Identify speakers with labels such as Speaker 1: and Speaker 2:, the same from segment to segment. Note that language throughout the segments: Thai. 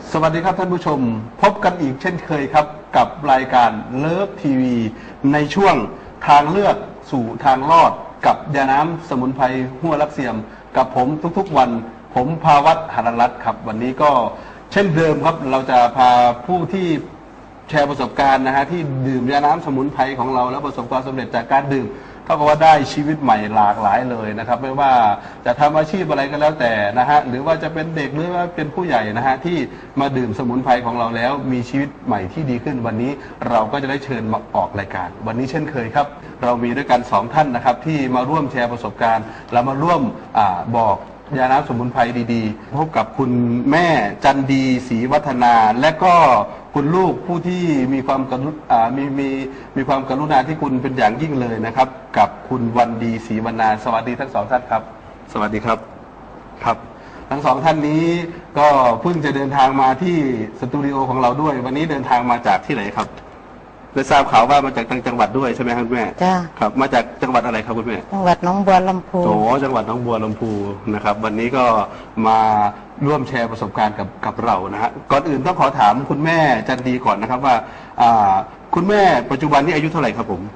Speaker 1: สวัสดีครับท่านผู้ชมพบกันอีกเช่นเคยครับกับรายการเลิฟทีวีในช่วงทางเลือกสู่ทางรอดกับยาน้ำสมุนไพรหัวลักเสียมกับผมทุกๆวันผมภาวัฒน์หรรัตน์ครับวันนี้ก็เช่นเดิมครับเราจะพาผู้ที่แชร์ประสบการณ์นะฮะที่ดื่มยาน้ำสมุนไพรของเราแล้วประสบความสำเร็จจากการดื่มเท่ากับว่าได้ชีวิตใหม่หลากหลายเลยนะครับไม่ว่าจะทำอาชีพอะไรก็แล้วแต่นะฮะหรือว่าจะเป็นเด็กหรือว่าเป็นผู้ใหญ่นะฮะที่มาดื่มสมุนไพรของเราแล้วมีชีวิตใหม่ที่ดีขึ้นวันนี้เราก็จะได้เชิญมาออกรายการวันนี้เช่นเคยครับเรามีด้วยกัน2ท่านนะครับที่มาร่วมแชร์ประสบการณ์และมาร่วมบอกยาน้ำสมุนไพรดีๆพบกับคุณแม่จันดีศรีวัฒนาและก็คุณลูกผู้ที่มีความมีความกรุณาที่คุณเป็นอย่างยิ่งเลยนะครับกับคุณวันดีศรีวรรณาสวัสดีทั้งสองท่านครับสวัสดีครับครับทั้งสองท่านนี้ก็เพิ่งจะเดินทางมาที่สตูดิโอของเราด้วยวันนี้เดินทางมาจากที่ไหนครับได้ทราบข่าวว่ามาจากต่างจังหวัดด้วยใช่ไหมครับคุณแม่
Speaker 2: จ้า
Speaker 1: ครับมาจากจังหวัดอะไรครับคุณแม่
Speaker 2: จังหวัดหนองบัวลำพู
Speaker 1: โอ้จังหวัดหนองบัวลำพูนะครับวันนี้ก็มาร่วมแชร์ประสบการณ์กับเรานะฮะก่อนอื่นต้องขอถามคุณแม่จันดีก่อนนะครับว่าคุณแม่ปัจจุบันนี้อายุเท่าไหร่ครับผม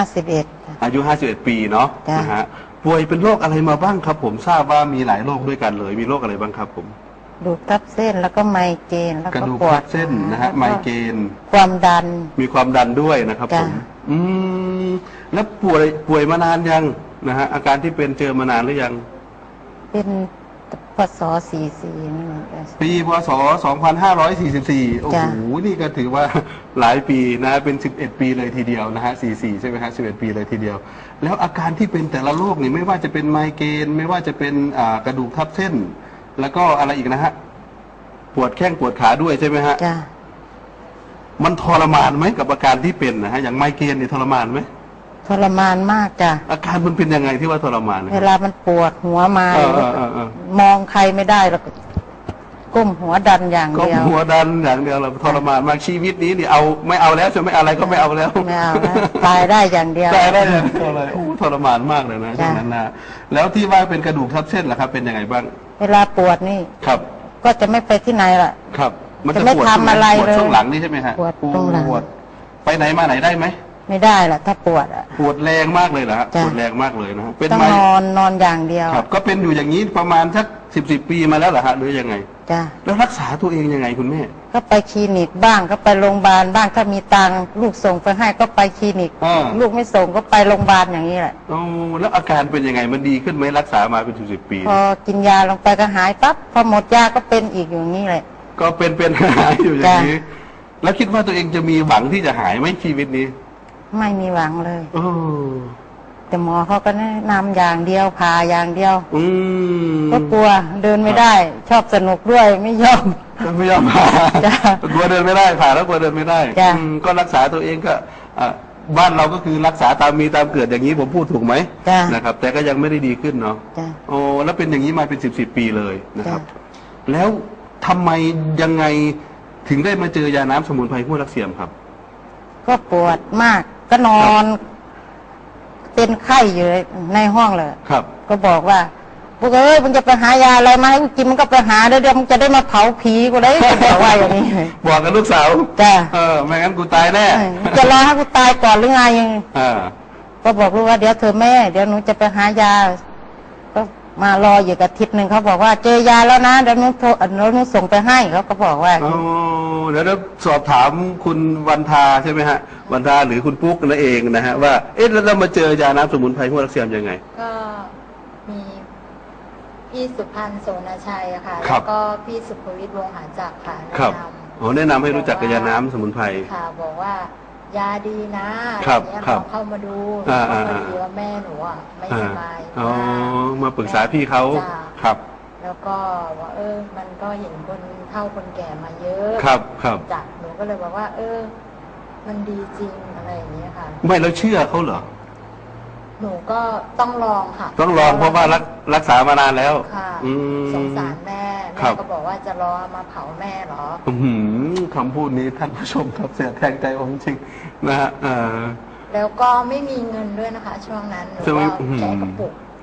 Speaker 2: 51
Speaker 1: อายุ51ปีเนาะนะฮะป่วยเป็นโรคอะไรมาบ้างครับผมทราบว่ามีหลายโรคด้วยกันเลยมีโรคอะไรบ้างครับผม
Speaker 2: กระดูกทับเส้นแล้วก็ไมเกรนแล้วก็
Speaker 1: ปวดเส้นนะฮะไมเกรน
Speaker 2: ความดัน
Speaker 1: มีความดันด้วยนะครับผมแล้วป่วยมานานยังนะฮะอาการที่เป็นเจอมานานหรือยัง
Speaker 2: เป็นพศ44นี่
Speaker 1: ปีพศ2544โอ้โหนี่ก็ถือว่าหลายปีนะเป็น11ปีเลยทีเดียวนะฮะ44ใช่ไหมฮะ11ปีเลยทีเดียวแล้วอาการที่เป็นแต่ละโรคนี่ไม่ว่าจะเป็นไมเกรนไม่ว่าจะเป็นกระดูกทับเส้นแล้วก็อะไรอีกนะฮะปวดแข้งปวดขาด้วยใช่ไหมฮะ
Speaker 2: จ้ะ
Speaker 1: มันทรมานไหมกับอาการที่เป็นนะฮะอย่างไมเกรนนี่ทรมานไหม
Speaker 2: ทรมานมากจ้ะ
Speaker 1: อาการมันเป็นยังไงที่ว่าทรมาน
Speaker 2: เวลามันปวดหัวมามองใครไม่ได้แล้วก้มหัวดันอย่างเดียว
Speaker 1: ก้มหัวดันอย่างเดียวเราทรมานมากชีวิตนี้นี่เอาไม่เอาแล้วจะไม่อะไรก็ไม่เอาแล้ว
Speaker 2: ไม่เอาแล้วตายได้อย่างเดียว
Speaker 1: ตายได้อย่างเดียวเลยโอ้ทรมานมากเลยนะช่วงนั้นนะแล้วที่ว่าเป็นกระดูกทับเส้นล่ะครับเป็นยังไงบ้าง
Speaker 2: เวลาปวดนี่
Speaker 1: ครับ
Speaker 2: ก็จะไม่ไปที่ไหนล่ะ
Speaker 1: ครับ
Speaker 2: มันจะไม่ทำอะไรเลย
Speaker 1: ช่วงหลังนี่ใช่ไหมฮะ
Speaker 2: ปวดตรงหลัง
Speaker 1: ไปไหนมาไหนได้ไหม
Speaker 2: ไม่ได้ล่ะถ้าปวดอ่ะ
Speaker 1: ปวดแรงมากเลยเหรอฮะปวดแรงมากเลยนะ
Speaker 2: เป็นต้องนอนอย่างเดียว
Speaker 1: ครับก็เป็นอยู่อย่างนี้ประมาณสัก10 ปีมาแล้วเหรอฮะหรือยังไง
Speaker 2: จ้ะ
Speaker 1: แล้วรักษาตัวเองยังไงคุณแม่
Speaker 2: ก็ไปคลินิกบ้างก็ไปโรงพยาบาลบ้างถ้ามีตังค์ลูกส่งไปให้ก็ไปคลินิกลูกไม่ส่งก็ไปโรงพยาบาลอย่างนี้แหละ
Speaker 1: โอ้แล้วอาการเป็นยังไงมันดีขึ้นไหมรักษามาเป็น10 ปี
Speaker 2: พอกินยาลงไปก็หายปั๊บพอหมดยาก็เป็นอีกอย่างนี้แหละ
Speaker 1: ก็เป็นหายอยู่อย่างนี้แล้วคิดว่าตัวเองจะมีหวังที่จะหายไหมชีวิตนี้
Speaker 2: ไม่มีหวังเลยแต่หมอเขาก็แนะนำอย่างเดียวพาอย่างเดียวก็กลัวเดินไม่ได้ชอบสนุกด้วยไม่ยอม
Speaker 1: ผ่ากลัวเดินไม่ได้ผ่าแล้วกลัวเดินไม่ได้ก็รักษาตัวเองก็บ้านเราก็คือรักษาตามมีตามเกิดอย่างนี้ผมพูดถูกไหมนะครับแต่ก็ยังไม่ได้ดีขึ้นเนาะโอ้แล้วเป็นอย่างนี้มาเป็น10 ปีเลยนะครับแล้วทำไมยังไงถึงได้มาเจอยาน้ำสมุนไพรหัวลักเสียมครับ
Speaker 2: ก็ปวดมากก็นอนเป็นไข้อยู่ในห้องเลย
Speaker 1: ครับ
Speaker 2: ก็บอกว่าพวกมึงจะไปหายาอะไรมาให้กูกินมันก็ไปหาเดี๋ยวมึงจะได้มาเผาผีกูได้บอกว่าอย่างนี้
Speaker 1: บอกกับลูกสาว
Speaker 2: จ้ะ
Speaker 1: ไม่งั้นกูตายแน่
Speaker 2: จะรอให้กูตายก่อนหรือไงก็บอกลูกว่าเดี๋ยวเธอแม่เดี๋ยวหนูจะไปหายาก็มารออยู่กับทิศหนึ่งเขาบอกว่าเจอยาแล้วนะเดี๋ยวหนูส่งไปให้เขาก็บอกว่า
Speaker 1: เดี๋ยวสอบถามคุณวันทาใช่ไหมฮะวันทาหรือคุณปุ๊กนั่นเองนะฮะว่าแล้วเรามาเจอยาน้ำสมุนไพรหัวลักเสียมยังไง
Speaker 3: ก็มีพี่สุพันธ์โสนชัยค่ะแล้วก็พี่สุภวิทย์วงศ์หาจักรค่ะแนะน
Speaker 1: ำแนะนำให้รู้จักกับยาน้ำสมุนไพร
Speaker 3: ค่ะบอกว่ายาดีนะอย่างเงี้ยลองเข้ามาดูพอดีว่าแม่หนูอ่ะไม่สบาย
Speaker 1: มาปรึกษาพี่เขาครับ
Speaker 3: แล้วก็ว่ามันก็เห็นคนเฒ่าคนแก่มาเยอะ
Speaker 1: ครับ
Speaker 3: จากหนูก็เลยบอกว่ามันดีจริงอะไรอย่างเงี้ยค่ะ
Speaker 1: ไม่แล้วเชื่อเขาเหรอ
Speaker 3: หนูก็ต้องลองค่ะ
Speaker 1: ต้องลองเพราะว่ารักษามานานแล้ว
Speaker 3: ค่ะสงสารแม่ก็บอกว่าจะรอมาเผาแม่หรอ
Speaker 1: คำพูดนี้ท่านผู้ชมครับเสียแทงใจผมจริงนะฮะ
Speaker 3: แล้วก็ไม่มีเงินด้วยนะคะช่วงนั้นหนูก็แกะกระปุก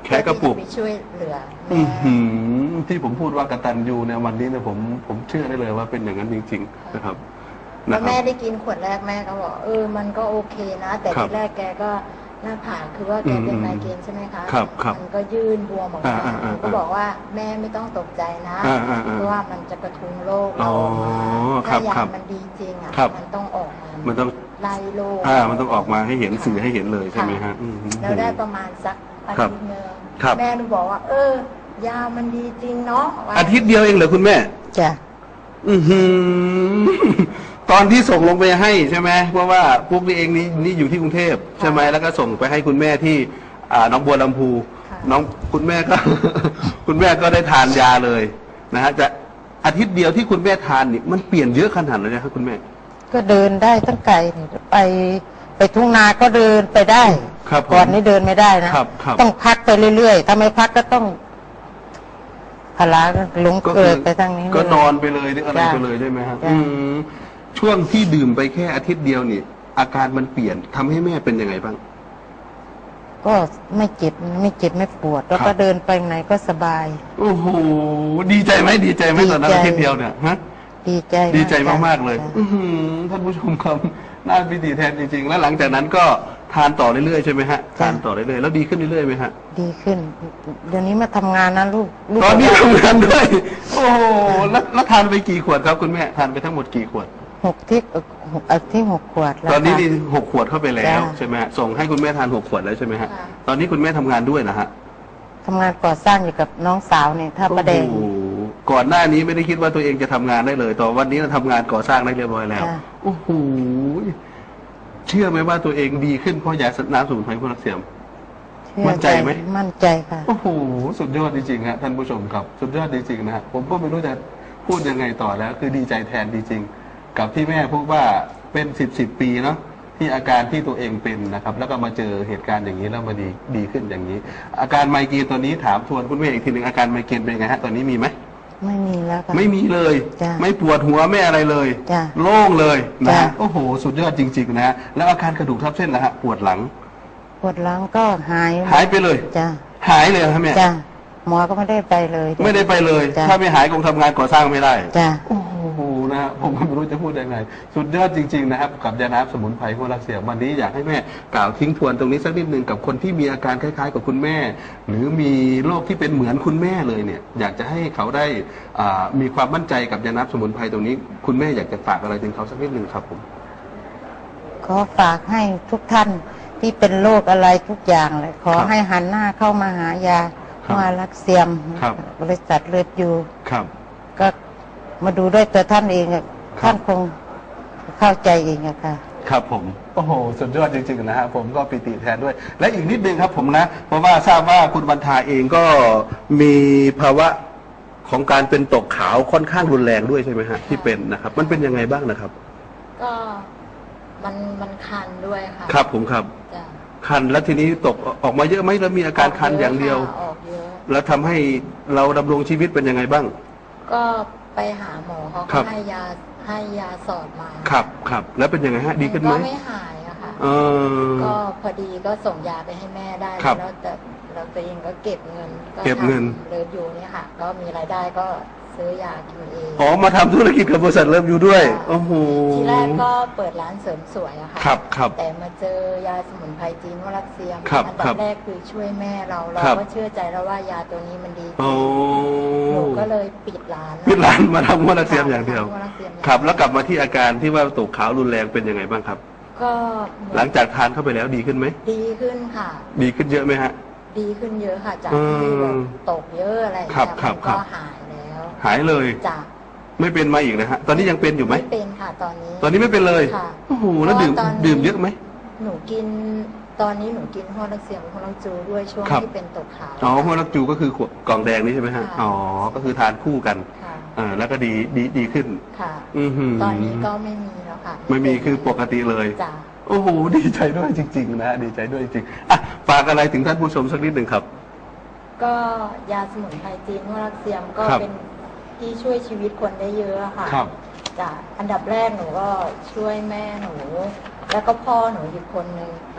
Speaker 1: แค่กระปุก
Speaker 3: เพื่อที่จไปช่วยเหลือ
Speaker 1: อื้อ
Speaker 3: แม่
Speaker 1: หือที่ผมพูดว่ากตัญญูเนี่ยวันนี้เนี่ยผมเชื่อได้เลยว่าเป็นอย่างนั้นจริงๆนะครับ
Speaker 3: พอ
Speaker 1: นะครั
Speaker 3: แม่
Speaker 1: บ
Speaker 3: ได้กินขวดแรกแม่ก็บอกมันก็โอเคนะ แต่
Speaker 1: ครับ
Speaker 3: ทีแรกแกก็หน้าผากคือว่าแกเป็น
Speaker 1: อืม
Speaker 3: ไมเกรนใช่ไหมคะ
Speaker 1: ครับครับ
Speaker 3: มันก็ยื่นบวมออกมา
Speaker 1: อ่าๆๆ
Speaker 3: ก็บอกว่าแม่ไม่ต้องตกใจนะ
Speaker 1: อ่าๆๆ
Speaker 3: เพราะว่ามันจะกระทุ้งโรค
Speaker 1: อ๋
Speaker 3: เรา
Speaker 1: อ
Speaker 3: ออกมา
Speaker 1: ครั
Speaker 3: ถ้า
Speaker 1: บ
Speaker 3: ยา
Speaker 1: ครับ
Speaker 3: มันดีจริงอ่ะ
Speaker 1: ครับ
Speaker 3: มันต้องออกมา
Speaker 1: มันต้อง
Speaker 3: ไล่โรค
Speaker 1: มันต้องออกมาให้เห็นสื่อให้เห็นเลยใช่ไหมฮะอืม
Speaker 3: แล้วได้ประมาณสักอา
Speaker 1: ครับ
Speaker 3: ทิตย์หนึง
Speaker 1: ครับ
Speaker 3: แม่หนูบอกว่า ยามันดีจริงเนาะว่
Speaker 1: อาทิตย์เดียวเองเหรอคุณแม่
Speaker 2: จ้ะ
Speaker 1: อือหือ ตอนที่ส่งลงไปให้ใช่ไหมเพราะว่าพวกนี้เองนี่อยู่ที่กรุงเทพใช่ไหมแล้วก็ส่งไปให้คุณแม่ที่น้องบัวลำพู
Speaker 3: ค่ะ
Speaker 1: น้องคุณแม่ก็ คุณแม่ก็ได้ทานยาเลยนะฮะจะอาทิตย์เดียวที่คุณแม่ทานนี่มันเปลี่ยนเยอะขนาดเลยนะครับคุณแม่
Speaker 2: ก็เดินได้ตั้งไกลนี่ไปทุ่งนาก็เดินไปได้
Speaker 1: ครับผม
Speaker 2: ก่อนนี้เดินไม่ได้นะครับ
Speaker 1: ครับ
Speaker 2: ต้องพักไปเรื่อยๆถ้าไม่พักก็ต้องพลาลง
Speaker 1: ก็
Speaker 2: เกิดไปทางนี้
Speaker 1: ก็
Speaker 2: เลย
Speaker 1: นอนไปเลยหรืออะไร
Speaker 2: จ้ะ
Speaker 1: ไปเลยใช่ไหมฮะ
Speaker 2: จ้ะ
Speaker 1: ช่วงที่ดื่มไปแค่อาทิตย์เดียวนี่ อาการมันเปลี่ยนทำให้แม่เป็นยังไงบ้าง
Speaker 2: ก็ไม่เจ็บไม่ปวด แล้ว
Speaker 1: ครั
Speaker 2: ก็
Speaker 1: บ
Speaker 2: เดินไปไหนก็สบาย
Speaker 1: โอ้โหดีใจไหมดีใจไหมตอนนั้น
Speaker 2: ดีใจ
Speaker 1: อาทิตย์เดียวเนี่ยฮะ
Speaker 2: ดีใจ
Speaker 1: ดีใจ
Speaker 2: จ้ะ
Speaker 1: มากๆเลย
Speaker 2: จ้ะ
Speaker 1: อื้อหือท่านผู้ชมครับน่าพิธีแทนจริงๆ แล้วหลังจากนั้นก็ทานต่อเรื่อยๆใช่ไหมฮะทานต่อเรื่อยๆแล้วดีขึ้นเรื่อยๆไหมฮะ
Speaker 2: ดีขึ้น เดี๋ยวนี้มาทำงานนะลูก
Speaker 1: ตอนนี้ทำงานด้วย โอ้โหแล้วทานไปกี่ขวดครับคุณแม่ทานไปทั้งหมดกี่ขวด
Speaker 2: ที่ 6 ขวดแล้ว
Speaker 1: ตอนนี้
Speaker 2: ค่ะ
Speaker 1: นี่6 ขวดเข้าไปแล้ว
Speaker 2: จ้ะ
Speaker 1: ใช่ไหมฮะส่งให้คุณแม่ทาน6 ขวดแล้วใช่ไหมฮะ
Speaker 3: ค่ะ
Speaker 1: ตอนนี้คุณแม่ทำงานด้วยนะฮะ
Speaker 2: ทำงานก่อสร้างอยู่กับน้องสาวเนี่ยท่าประแดง
Speaker 1: โอ้โหก่อนหน้านี้ไม่ได้คิดว่าตัวเองจะทำงานได้เลยต่อวันนี้เราทำงานก่อสร้างได้เรียบร้อยแล้ว
Speaker 2: จ้ะ
Speaker 1: โอ้โหเชื่อไหมว่าตัวเองดีขึ้นเพราะยาน้ำสมุนไพรพวกนักเสียม มั่นใจไหม
Speaker 2: มั่นใจค่ะ
Speaker 1: โอ้โหสุดยอดจริงๆฮะท่านผู้ชมครับ สุดยอดจริงๆนะฮะผมก็ไม่รู้จะพูดยังไงต่อแล้ว คือดีใจแทนจริงๆกับที่แม่พูดว่าเป็น10 ปีเนาะที่อาการที่ตัวเองเป็นนะครับ แล้วก็มาเจอเหตุการณ์อย่างนี้แล้วมาดีขึ้นอย่างนี้ อาการไมเกรนตอนนี้ถามทวนคุณแม่อีกทีหนึ่งอาการไมเกรนเป็นยังไงฮะตอนนี้มีไหม
Speaker 2: ไม่มีแล้วค่ะ
Speaker 1: ไม่มีเลย
Speaker 2: จ้ะ
Speaker 1: ไม่ปวดหัวไม่อะไรเลย
Speaker 2: จ้ะ
Speaker 1: โล่งเลยนะฮะ
Speaker 2: จ้ะ
Speaker 1: โอ้โห สุดยอดจริงๆนะฮะแล้วอาการกระดูกทับเส้นล่ะฮะปวดหลัง
Speaker 2: ปวดหลังก็หาย
Speaker 1: หายไปเลย
Speaker 2: จ้ะ
Speaker 1: หายเลยครับแม่
Speaker 2: จ้ะหมอก็ไม่ได้ไปเลย
Speaker 1: ไม่ได้ไปเลย
Speaker 2: จ้ะ
Speaker 1: ถ้าไม่หายคงทำงานก่อสร้างไม่ได้
Speaker 2: จ้ะ
Speaker 1: โอ้โหนะฮะผมก็ไม่รู้จะพูดยังไง สุดยอดจริงๆนะครับกับยาน้ำสมุนไพรหัวรักเสียวันนี้อยากให้แม่กล่าวทิ้งทวนตรงนี้สักนิดหนึ่งกับคนที่มีอาการคล้ายๆ กับคุณแม่ หรือมีโรคที่เป็นเหมือนคุณแม่เลยเนี่ย อยากจะให้เขาได้มีความมั่นใจกับยาน้ำสมุนไพรตรงนี้ คุณแม่อยากจะฝากอะไรถึงเขาสักนิดหนึ่งครับผม
Speaker 2: ขอฝากให้ทุกท่านที่เป็นโรคอะไรทุกอย่างเลยขอ
Speaker 1: ครับ
Speaker 2: ให้หันหน้าเข้ามาหายา
Speaker 1: ครับ
Speaker 2: มารักเซียม
Speaker 1: ครับ
Speaker 2: บริษัทเลือดอยู่
Speaker 1: ครับ
Speaker 2: ก็มาดูด้วยตัวท่านเองอะ
Speaker 1: ครับ
Speaker 2: ท่านคงเข้าใจเองอะค่ะ
Speaker 1: ครับผมโอ้โหสุดยอดจริงๆนะฮะผมก็ปิติแทนด้วย และอีกนิดนึงครับผมนะ เพราะว่าทราบว่าคุณบรรทาเองก็มีภาวะของการเป็นตกขาวค่อนข้างรุนแรงด้วยใช่ไหมฮะที่เป็นนะครับ มันเป็นยังไงบ้างนะครับ
Speaker 3: ก็มันคันด้วยค่ะ
Speaker 1: ครับผมครับ
Speaker 3: จ้ะ
Speaker 1: คันแล้วทีนี้ตกออกมาเยอะไหมแล้วมีอาการคันอย่างเดียว
Speaker 3: ออกเยอะ
Speaker 1: แล้วทำให้เราดำรงชีวิตเป็นยังไงบ้าง
Speaker 3: ก็ไปหาหมอเขา
Speaker 1: ครั
Speaker 3: ก็
Speaker 1: บ
Speaker 3: ให้ยาสอดมา
Speaker 1: ครับครับแล้วเป็นยังไงฮะดีขึ้นไหม
Speaker 3: ก็ไม่หายอะค่ะ
Speaker 1: เออ
Speaker 3: ก็พอดีก็ส่งยาไปให้แม่ได้
Speaker 1: ครับ
Speaker 3: แล้วแต่เราตัวเองก็เก็บเงิน
Speaker 1: เก็บเงิน
Speaker 3: เลิฟอยู่เนี่ยค่ะ ก็มีรายได้ก็ซื้อยากินเอง
Speaker 1: อ๋อมาทำธุรกิจกับบริษัทเริ่มอยู่ด้วยโอ้โห
Speaker 3: ทีแรกก็เปิดร้านเสริมสวยอะค่ะ
Speaker 1: ครับครับ
Speaker 3: แต่มาเจอยาสมุนไพรจีนวรักเซียม
Speaker 1: ครับ
Speaker 3: อั
Speaker 1: ครั
Speaker 3: ดั
Speaker 1: บ
Speaker 3: แรกคือช่วยแม่เรา
Speaker 1: ครับ
Speaker 3: ก็เชื่อใจแล้วว่ายาตัวนี้มันดีจ
Speaker 1: โอ้
Speaker 3: ริงหนูก็เลยปิดร้าน
Speaker 1: พิดร้านมาทำหัวรักเสียมอย่างเดียว
Speaker 3: ทำวรักเซียมอย่างเดียว
Speaker 1: ครับ แล้วกลับมาที่อาการที่ว่าตกขาวรุนแรงเป็นยังไงบ้างครับ
Speaker 3: ก็เหมือน
Speaker 1: หลังจากทานเข้าไปแล้วดีขึ้นไหม
Speaker 3: ดีขึ้นค่ะ
Speaker 1: ดีขึ้นเยอะไหมฮะ
Speaker 3: ดีขึ้นเยอะค่ะ จาก
Speaker 1: อืม
Speaker 3: ที่แบบตกเยอะอะไรอย่าง
Speaker 1: ครั
Speaker 3: เงี้
Speaker 1: บ
Speaker 3: ย
Speaker 1: ครับ
Speaker 3: มัน
Speaker 1: ครั
Speaker 3: ก็
Speaker 1: บ
Speaker 3: หายแล้ว
Speaker 1: หายเลย
Speaker 3: จาก
Speaker 1: ไม่เป็นมาอีกนะฮะ ตอนนี้ยังเป็นอยู่ไหม
Speaker 3: ไม่เป็นค่ะตอนนี้
Speaker 1: ตอนนี้ไม่เป็นเลย
Speaker 3: ค่ะ
Speaker 1: โอ้โหแล้ว
Speaker 3: เพราะว่าตอนนี้
Speaker 1: ดื่มเยอะไหม
Speaker 3: หนูกินตอนนี้หนูกินฮอร์โมนเซียมฮอร์โมนจูด้วยช่วง
Speaker 1: ครับ
Speaker 3: ที่เป็นตกขาว
Speaker 1: อ๋อหัวรักจูก็คือขวดกล่องแดงนี่ใช่ไหมฮะ
Speaker 3: ค่ะ
Speaker 1: อ๋อ ก็คือทานคู่กัน
Speaker 3: ค่ะ
Speaker 1: แล้วก็ดีขึ้น
Speaker 3: ค่ะ
Speaker 1: อือหือ
Speaker 3: ตอนนี้ก็ไม่มีแล้วค่ะ
Speaker 1: ไม่มีคือปกติเลย
Speaker 3: จ้ะ
Speaker 1: โอ้โห ดีใจด้วยจริง ๆ นะ ดีใจด้วยจริงๆอ่ะฝากอะไรถึงท่านผู้ชมสักนิดหนึ่งครับ
Speaker 3: ก็ยาสมุนไพรจีนวรักเซียมก็
Speaker 1: ครับ
Speaker 3: เป็นที่ช่วยชีวิตคนได้เยอะค่ะ
Speaker 1: ครับ
Speaker 3: จ้ะอันดับแรกหนูก็ช่วยแม่หนู แล้วก็พ่อหนูอีกคนนึง
Speaker 1: ครับ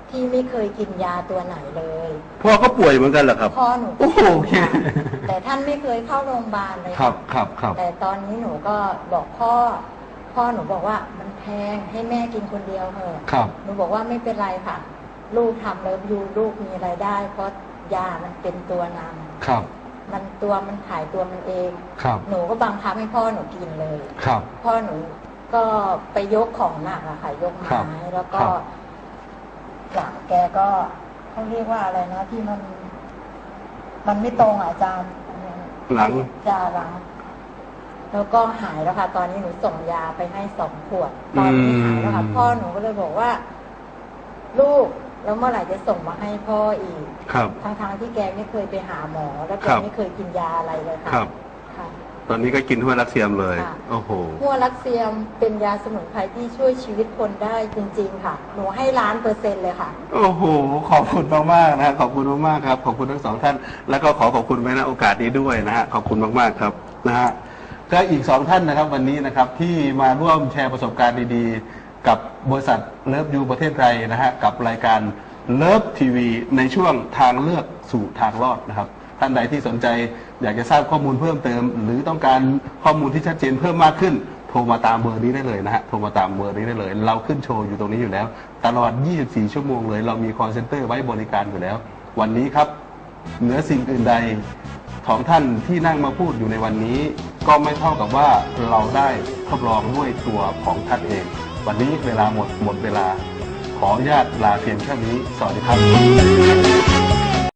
Speaker 3: ที่ไม่เคยกินยาตัวไหนเลย
Speaker 1: พ่อก็ป่วยเหมือนกันเหรอครับ
Speaker 3: พ่อหนู
Speaker 1: โอ้โหโอเค
Speaker 3: แต่ท่านไม่เคยเข้าโรงพยาบาลเลย
Speaker 1: ครับครับครับ
Speaker 3: แต่ตอนนี้หนูก็บอกพ่อหนูบอกว่ามันแพงให้แม่กินคนเดียวเถอะ
Speaker 1: ครับ
Speaker 3: หนูบอกว่าไม่เป็นไรค่ะ ลูกทำเลิฟยูลูกมีรายได้ เพราะยามันเป็นตัวนำ
Speaker 1: ครับ
Speaker 3: มันขายตัวมันเอง
Speaker 1: ครับ
Speaker 3: หนูก็บังคับให้พ่อหนูกินเลย
Speaker 1: ครับ
Speaker 3: พ่อหนูก็ไปยกของหนักอะค่ะ ยก
Speaker 1: ครับ
Speaker 3: ไม้แล้วก็
Speaker 1: ครับ
Speaker 3: หลังแกก็เขาเรียกว่าอะไรนะ ที่มันไม่ตรงอะอาจารย์
Speaker 1: หลัง
Speaker 3: จะหลัง แล้วก็หายแล้วค่ะ ตอนนี้หนูส่งยาไปให้2 ขวด ตอนนี้หายแล้วค่ะ พ่อหนูก็เลยบอกว่า ลูกแล้วเมื่อไหร่จะส่งมาให้พ่ออีก
Speaker 1: ครับ
Speaker 3: ทั้งที่แกไม่เคยไปหาหมอ แล้วแก
Speaker 1: ครับ
Speaker 3: ไม่เคยกินยาอะไรเลยค่ะ
Speaker 1: ครับ
Speaker 3: ค่ะ
Speaker 1: ตอนนี้ก็กินทั่วรักเซียมเลย
Speaker 3: ค่ะ
Speaker 1: โอ้โห
Speaker 3: หัวลักเซียมเป็นยาสมุนไพรที่ช่วยชีวิตคนได้จริง ๆ ค่ะ หนูให้1,000,000%เลยค่ะ
Speaker 1: โอ้โห ขอบคุณมากๆนะขอบคุณมากๆครับ ขอบคุณทั้งสองท่าน แล้วก็ขอบคุณไว้ณโอกาสนี้ด้วยนะฮะ ขอบคุณมากๆครับนะฮะ ก็อีก2ท่านนะครับวันนี้นะครับที่มาร่วมแชร์ประสบการณ์ดีๆ กับบริษัทเลิฟยูประเทศไทยนะฮะกับรายการเลิฟทีวีในช่วงทางเลือกสู่ทางรอดนะครับ ท่านใดที่สนใจอยากจะทราบข้อมูลเพิ่มเติม หรือต้องการข้อมูลที่ชัดเจนเพิ่มมากขึ้น โทรมาตามเบอร์นี้ได้เลยนะฮะโทรมาตามเบอร์นี้ได้เลย เราขึ้นโชว์อยู่ตรงนี้อยู่แล้ว ตลอด 24 ชั่วโมงเลยเรามีคอลเซ็นเตอร์ไว้บริการอยู่แล้ว วันนี้ครับเหนือสิ่งอื่นใดของท่านที่นั่งมาพูดอยู่ในวันนี้ ก็ไม่เท่ากับว่าเราได้ทดลองด้วยตัวของท่านเอง วันนี้เวลาหมดเวลา ขออนุญาตลาเพียงแค่นี้ สวัสดีครับ